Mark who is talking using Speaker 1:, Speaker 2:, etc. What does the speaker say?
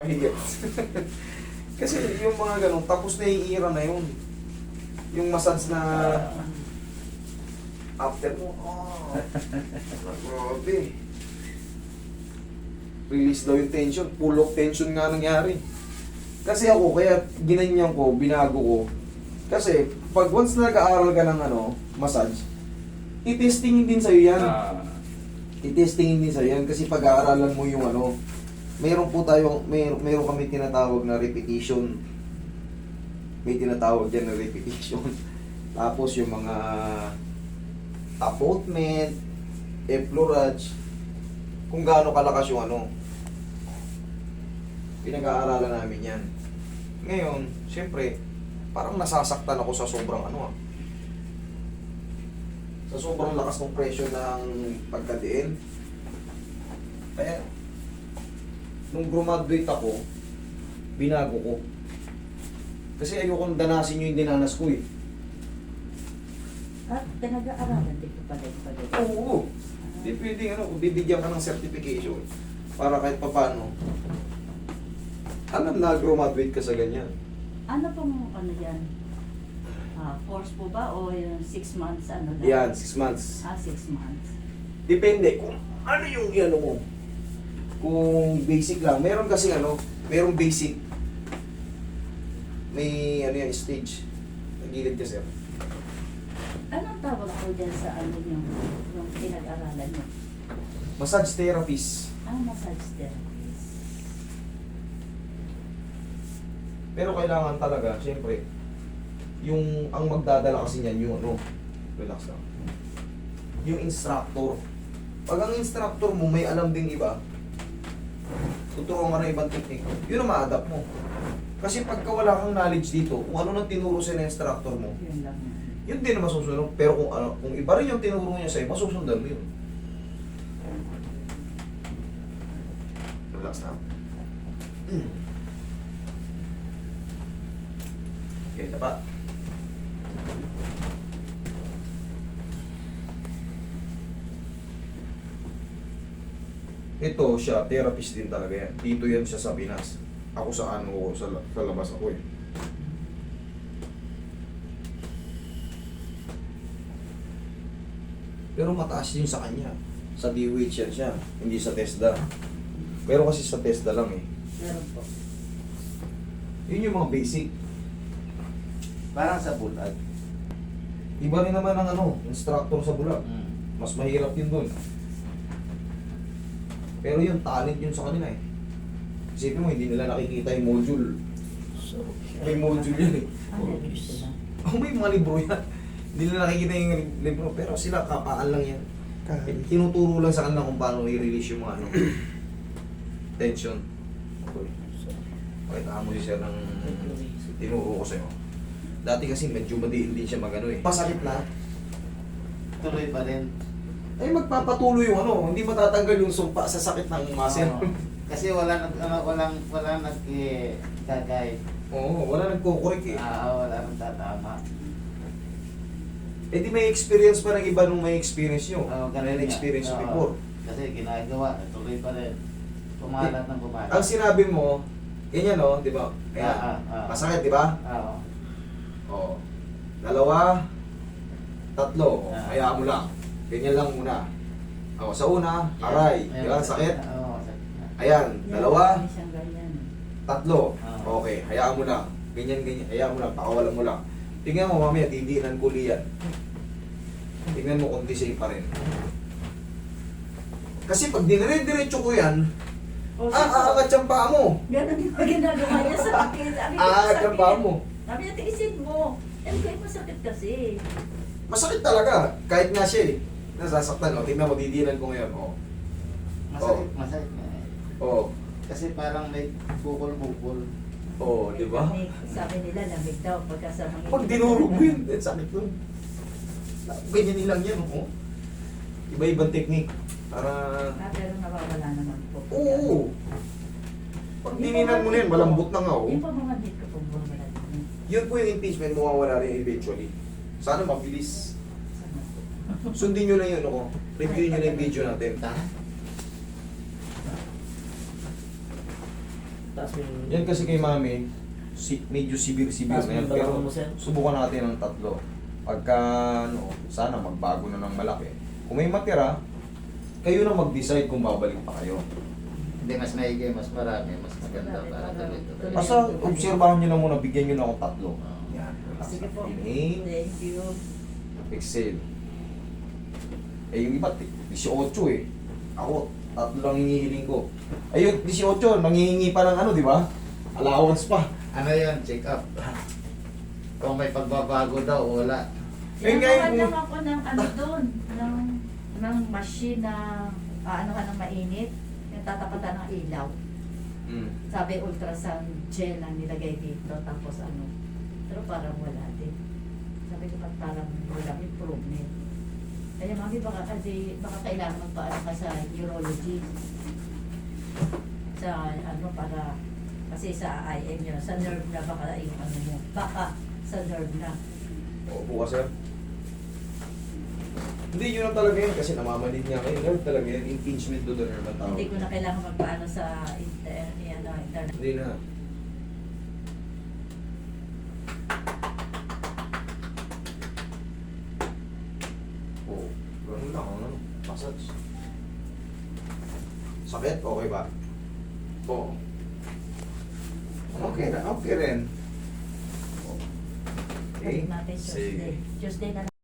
Speaker 1: Mahigit. Kasi yung mga ganun, tapos na yung era na yun. Yung massage na after mo, grabe. Release daw yung tension, full of tension nga nangyari. Kasi ako, kaya ginanyan ko, binago ko. Kasi, pag once na nag-aaral ka ng massage, i-testingin din sa'yo yan. I-testingin din sa'yo yan. Kasi pag-aaralan mo yung mayroon po tayo, mayroon kami tinatawag na repetition. May tinatawag dyan na repetition. Tapos yung mga apportment, effleurage, kung gaano kalakas yung pinag-aaralan namin yan. Ngayon, siyempre, parang nasasaktan ako sa sobrang sa sobrang lakas ng pressure ng pagkadiin. Kaya, nung graduate ako, binago ko. Kasi ayokong danasin yung dinanas ko eh.
Speaker 2: At pinag-aaralan din ko pala pala.
Speaker 1: Oo. Hindi pwedeng bibigyan ka ng certification para kahit papano. Alam na graduate ka sa ganyan.
Speaker 2: Ano pong yan? Course po ba o yung 6 months lang?
Speaker 1: Yan, 6 months.
Speaker 2: 6 months.
Speaker 1: Depende kung ano yung mo. Kung basic lang. Meron kasi merong basic. May yan, stage. Nagilid ka, sir.
Speaker 2: Anong tawag po dyan sa yung pinag-aralan nyo?
Speaker 1: Massage therapist.
Speaker 2: Massage therapist.
Speaker 1: Pero kailangan talaga, siyempre, ang magdadala kasi niyan yung relax lang. Yung instructor. Pag ang instructor mo may alam ding iba, tuturuan ka ng ibang technique, yun ang ma-adapt mo. Kasi pagka wala kang knowledge dito, kung ano nang tinuro sa instructor mo,
Speaker 2: Yun lang.
Speaker 1: yun din ang masusunod. Pero kung iba rin yung tinuro niya sa'yo, masusundan mo yun. Relax na. Okay, tapat. Ito siya, therapist din talaga yan. Dito yan siya sa Pinas. Ako sa sa labas ako eh. Pero mataas din sa kanya. Sa DOH yan siya, hindi sa TESDA. Pero kasi sa TESDA lang eh.
Speaker 2: Meron po.
Speaker 1: Yun yung mga basic.
Speaker 3: Parang sa bulag.
Speaker 1: Iba rin naman ang instructor sa bulag. Mas mahirap yun doon. Pero yung talent yun sa kanila eh. Isipin mo, hindi nila nakikita yung module. May module yun eh.
Speaker 2: Meron sila.
Speaker 1: May mga libro yan. Hindi nila nakikita yung libro. Pero sila, kapaan lang yan. Tinuturo lang sa kanila kung paano i-release yung mga tension. Okay. Pakita mo si sir ng tinuro ko sa'yo. Dati kasi medyo madiin din siya eh. Pasakit na.
Speaker 3: Tuloy pa rin.
Speaker 1: Ay magpapatuloy yung hindi matatanggal yung sumpa sa sakit ng muscle.
Speaker 3: Oo. Kasi walang gagay.
Speaker 1: Oo, wala nagkukurik eh.
Speaker 3: Wala nang tatama.
Speaker 1: Eh di may experience pa ng iba nung may experience nyo.
Speaker 3: Ganun
Speaker 1: May experience
Speaker 3: nga.
Speaker 1: before.
Speaker 3: Kasi ginagawa, tuloy pa rin. Pumalat ng pumalat.
Speaker 1: Ang sinabi mo, ganyan di ba? Ayan. Masakit, di ba?
Speaker 3: Oo.
Speaker 1: Oo. 2, 3. Hayaan mo lang. Ganyan lang muna. Sa una, aray. Di ba? Sakit?
Speaker 3: Oo, sakit na.
Speaker 1: Ayan. 2,
Speaker 2: Meron siyang ganyan.
Speaker 1: 3. Okay. Hayaan mo lang. Ganyan. Hayaan mo lang. Pakawalan mo lang. Tingnan mo mamaya, didiinan ko liyan. Tingnan mo kung safe pa rin. Kasi pag dinire-diretso ko yan, aangat yung paa mo.
Speaker 2: Ganun yung ginagawa niya sa akin.
Speaker 1: Aangat yung paa mo.
Speaker 2: Sabi niya, tiisin mo. Kayo masakit kasi.
Speaker 1: Masakit talaga. Kahit nga siya nasasaktan. Tingnan mo, didiinan ko ngayon.
Speaker 3: Masakit nga eh.
Speaker 1: Oo.
Speaker 3: Kasi parang may bukol-bukol.
Speaker 1: Oo, di ba?
Speaker 2: Sabi nila, lamig daw pagka sa mga...
Speaker 1: Pag dinurog mo yun, sakit nun. Ganyan nilang yan, Iba-ibang technique. Para...
Speaker 2: Pero nawawala naman po.
Speaker 1: Oo. Pag dininan mo na yan, malambot na nga,
Speaker 2: Yung pa mga dito po, bumala din.
Speaker 1: Yun po yung impeachment, mawawala rin eventually. Sana mabilis. Sundin nyo na yun, Review nyo na yung video natin.
Speaker 4: Taas mo yung...
Speaker 1: Yan kasi kay mami, medyo severe
Speaker 4: Taas
Speaker 1: na
Speaker 4: mo
Speaker 1: yan.
Speaker 4: yung
Speaker 1: Pero
Speaker 4: balakang mo, sir.
Speaker 1: subukan natin ng 3. Pagka, sana magbago na ng malaki. Kung may matira, kayo na mag-decide kung babalik pa kayo.
Speaker 3: Hindi, mas maigi, mas marami, mas maganda para tuloy-tuloy.
Speaker 1: Basta obserbahan nyo na muna, bigyan nyo na akong 3. Yan. relax.
Speaker 2: Sige po.
Speaker 1: Inhale,
Speaker 2: Thank you.
Speaker 1: exhale. Eh yung iba, 18 eh. Ako, 3 lang hinihiling ko. Ayun, 18, nangihingi pa ng ano, di ba? Allowance pa.
Speaker 3: Ano yun, check up. Kung may pagbabago daw, wala.
Speaker 1: Eh, ngayon,
Speaker 2: Yan lang ako ng ano doon, ng machine na ano ka ng mainit, yung tatapatan ng ilaw.
Speaker 1: Mm.
Speaker 2: Sabi ultrasound gel ang nilagay dito, tapos ano. Pero parang wala din. Sabi ko parang walang improvement. Kaya mami, baka kailangan magpaano ka sa urology. Sa ano para, kasi sa IM yun, sa nerve na baka yung ano mo. Baka sa nerve na.
Speaker 1: Opo ka, sir. Hindi, yun lang talaga yun kasi namamanid niya kayo. Nerve talaga yan, impingement to the nerve ang tawag.
Speaker 2: Hindi ko na kailangan magpaano sa internet.
Speaker 1: Hindi na. Oo, ganun lang, ano? Massage. Sakit? Okay ba? Oo. Okay na, okay rin. Okay,
Speaker 2: Natin Tuesday.
Speaker 1: sige.
Speaker 2: Tuesday na